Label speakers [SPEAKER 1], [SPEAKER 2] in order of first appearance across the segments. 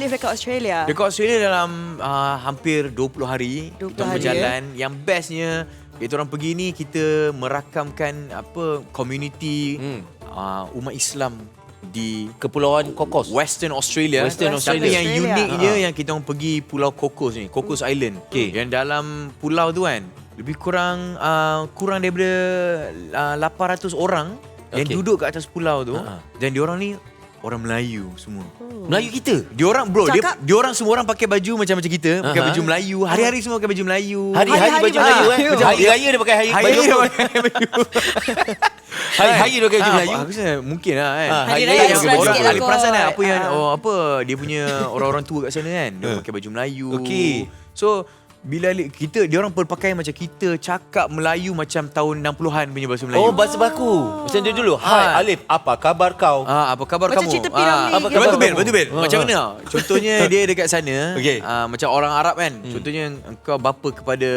[SPEAKER 1] Alif dekat Australia?
[SPEAKER 2] Dekat Australia dalam hampir 20 hari
[SPEAKER 1] 20
[SPEAKER 2] kita
[SPEAKER 1] hari,
[SPEAKER 2] berjalan. Yang bestnya kita orang pergi ni, kita merakamkan community umat Islam di
[SPEAKER 3] Kepulauan Kokos.
[SPEAKER 2] Western Australia.
[SPEAKER 3] Western
[SPEAKER 2] Tapi
[SPEAKER 3] Australia.
[SPEAKER 2] yang uniknya yang kita orang pergi Pulau Kokos ni, Kokos Island. Yang dalam pulau tu kan lebih kurang daripada 800 orang yang duduk kat atas pulau tu. Dan diorang ni orang Melayu semua.
[SPEAKER 3] Melayu kita.
[SPEAKER 2] Diorang diorang semua orang pakai baju macam kita, pakai baju Melayu. Hari-hari semua pakai baju Melayu.
[SPEAKER 3] Hari-hari baju Melayu Macam hari raya dia pakai
[SPEAKER 2] Hari
[SPEAKER 3] baju
[SPEAKER 2] raya
[SPEAKER 3] apa?
[SPEAKER 2] pakai baju.
[SPEAKER 3] Hari-hari dia pakai baju Melayu.
[SPEAKER 2] Aku rasa mungkin lah kan.
[SPEAKER 1] Hari
[SPEAKER 2] Yang
[SPEAKER 1] raya extra
[SPEAKER 2] orang
[SPEAKER 1] sikit lah
[SPEAKER 2] ada perasan kan
[SPEAKER 1] kot.
[SPEAKER 2] apa yang dia punya orang-orang tua kat sana kan. Dia pakai baju Melayu.
[SPEAKER 3] Okey.
[SPEAKER 2] So bila dia orang berpakaian macam kita, cakap Melayu macam tahun 60-an punya bahasa Melayu.
[SPEAKER 3] Oh, bahasa baku. Macam dia dulu. Hai Alif, apa khabar kau?
[SPEAKER 2] Apa khabar
[SPEAKER 1] Macam
[SPEAKER 2] kamu?
[SPEAKER 1] cerita P. Ramlee
[SPEAKER 3] apa
[SPEAKER 1] gitu.
[SPEAKER 3] khabar
[SPEAKER 2] Betul Bil. Macam mana? Contohnya dia dekat sana,
[SPEAKER 3] Okey.
[SPEAKER 2] macam orang Arab kan. Contohnya kau bapa kepada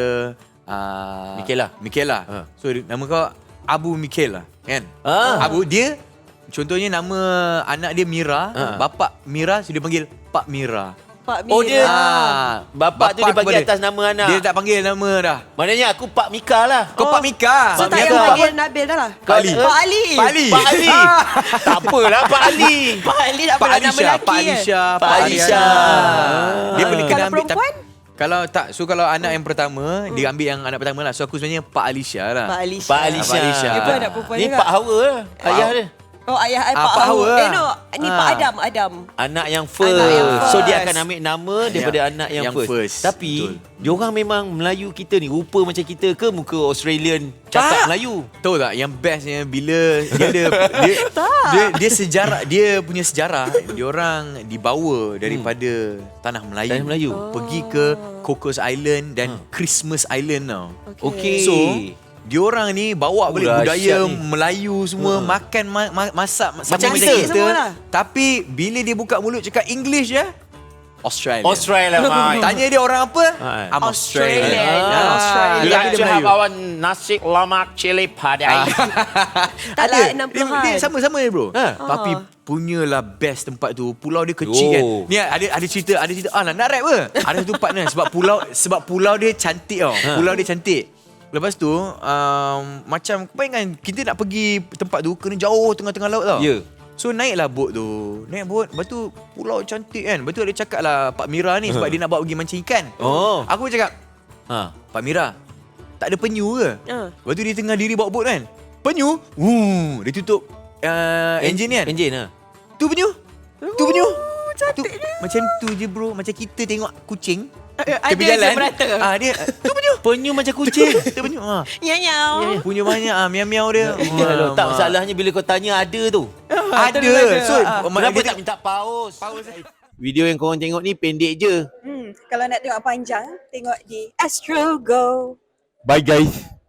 [SPEAKER 2] Michaela. So nama kau Abu Michaela kan? Abu dia contohnya nama anak dia Mira, bapa Mira, so dia panggil Pak Mira.
[SPEAKER 1] Pak Mira.
[SPEAKER 3] Oh dia Bapak tu dia bagi
[SPEAKER 2] kepada-
[SPEAKER 3] atas nama anak.
[SPEAKER 2] Dia tak panggil nama dah.
[SPEAKER 3] Maknanya aku Pak Mika lah.
[SPEAKER 2] Kau Pak Mika.
[SPEAKER 1] So
[SPEAKER 3] Pak
[SPEAKER 1] tak payah
[SPEAKER 3] Mika.
[SPEAKER 1] panggil Nabil dah lah.
[SPEAKER 2] Pak Ali.
[SPEAKER 1] Pak Ali.
[SPEAKER 2] Pak Ali.
[SPEAKER 3] Pak Ali. Tak apalah Pak Ali.
[SPEAKER 1] Pak Ali tak
[SPEAKER 2] Pak
[SPEAKER 1] pernah nama
[SPEAKER 2] Alisha,
[SPEAKER 1] lelaki
[SPEAKER 2] Pak Alisha,
[SPEAKER 3] Pak Alisha.
[SPEAKER 2] Dia boleh kena
[SPEAKER 1] Kalau
[SPEAKER 2] ambil
[SPEAKER 1] perempuan?
[SPEAKER 2] kalau tak, so kalau anak yang pertama, dia ambil yang anak pertama lah. So aku sebenarnya Pak Alisha lah.
[SPEAKER 1] Pak Alisha.
[SPEAKER 3] Pak Alisha.
[SPEAKER 2] Pak Alisha.
[SPEAKER 1] Dia pun anak perempuan
[SPEAKER 3] Ni
[SPEAKER 1] juga.
[SPEAKER 3] Pak Hawa lah. Ayah dia.
[SPEAKER 1] Oh ayah Pak
[SPEAKER 2] Pak
[SPEAKER 1] Hawa.
[SPEAKER 2] Hawa.
[SPEAKER 1] No, ni Pak Adam.
[SPEAKER 3] Anak yang first.
[SPEAKER 1] Anak yang
[SPEAKER 3] So dia
[SPEAKER 1] first.
[SPEAKER 3] akan ambil nama daripada anak yang
[SPEAKER 2] yang
[SPEAKER 3] first.
[SPEAKER 2] first.
[SPEAKER 3] Tapi
[SPEAKER 2] Betul.
[SPEAKER 3] diorang memang Melayu kita ni rupa macam kita ke muka Australian cakap Melayu?
[SPEAKER 2] Tahu tak yang bestnya bila dia ada dia sejarah, dia punya sejarah, dia orang dibawa daripada tanah Melayu.
[SPEAKER 3] Tanah Melayu.
[SPEAKER 2] Pergi ke Cocos Island dan Christmas Island tau.
[SPEAKER 3] Okey.
[SPEAKER 2] So diorang ni bawa balik budaya
[SPEAKER 3] dahsyat ni.
[SPEAKER 2] Melayu semua, makan masak sama
[SPEAKER 3] Macam
[SPEAKER 2] macam
[SPEAKER 3] kita.
[SPEAKER 2] kita.
[SPEAKER 1] Semualah.
[SPEAKER 2] Tapi bila dia buka mulut cakap English je, Australia.
[SPEAKER 3] Australia, mate.
[SPEAKER 2] Tanya dia orang apa? I'm
[SPEAKER 1] Australian.
[SPEAKER 2] Australian.
[SPEAKER 1] Australian.
[SPEAKER 3] You
[SPEAKER 2] Dia
[SPEAKER 3] like
[SPEAKER 2] dia
[SPEAKER 3] to have
[SPEAKER 2] Melayu.
[SPEAKER 3] our nasi lemak cili padai.
[SPEAKER 1] Tak lah, 60-an.
[SPEAKER 2] Dia sama-sama je bro.
[SPEAKER 3] Ha.
[SPEAKER 2] Tapi punyalah best tempat tu. Pulau dia kecil kan.
[SPEAKER 3] Oh.
[SPEAKER 2] Ni ada cerita nak rap ke? Ada satu part ni sebab pulau dia cantik tau. Pulau dia cantik. Lepas tu macam bayangkan kita nak pergi tempat tu kena jauh tengah-tengah laut tau.
[SPEAKER 3] Ya.
[SPEAKER 2] So naiklah bot tu. Naik bot, lepas tu pulau cantik kan. Lepas tu dia cakap lah Pak Mira ni sebab dia nak bawa pergi mancing ikan.
[SPEAKER 3] Oh.
[SPEAKER 2] Aku cakap, Pak Mira, tak ada penyu ke? Lepas tu dia tengah diri bawa bot kan. Penyu? Dia tutup enjin kan.
[SPEAKER 3] Enjin lah.
[SPEAKER 2] Tu penyu. Tu penyu.
[SPEAKER 1] Cantik
[SPEAKER 2] Tu, macam tu je bro. Macam kita tengok kucing
[SPEAKER 1] Ada
[SPEAKER 2] tepi
[SPEAKER 1] je
[SPEAKER 2] jalan.
[SPEAKER 1] merata.
[SPEAKER 2] Dia tu penyu.
[SPEAKER 3] Penyu macam kucing.
[SPEAKER 2] Tu penyu.
[SPEAKER 1] Nyau.
[SPEAKER 2] Punya banyak miau-miau dia.
[SPEAKER 3] Tak, masalahnya bila kau tanya ada tu.
[SPEAKER 2] Ada. So
[SPEAKER 3] Kenapa
[SPEAKER 2] dia
[SPEAKER 3] tak minta pause? Video yang korang tengok ni pendek je.
[SPEAKER 4] Kalau nak tengok panjang, tengok di Astro Go.
[SPEAKER 3] Bye guys.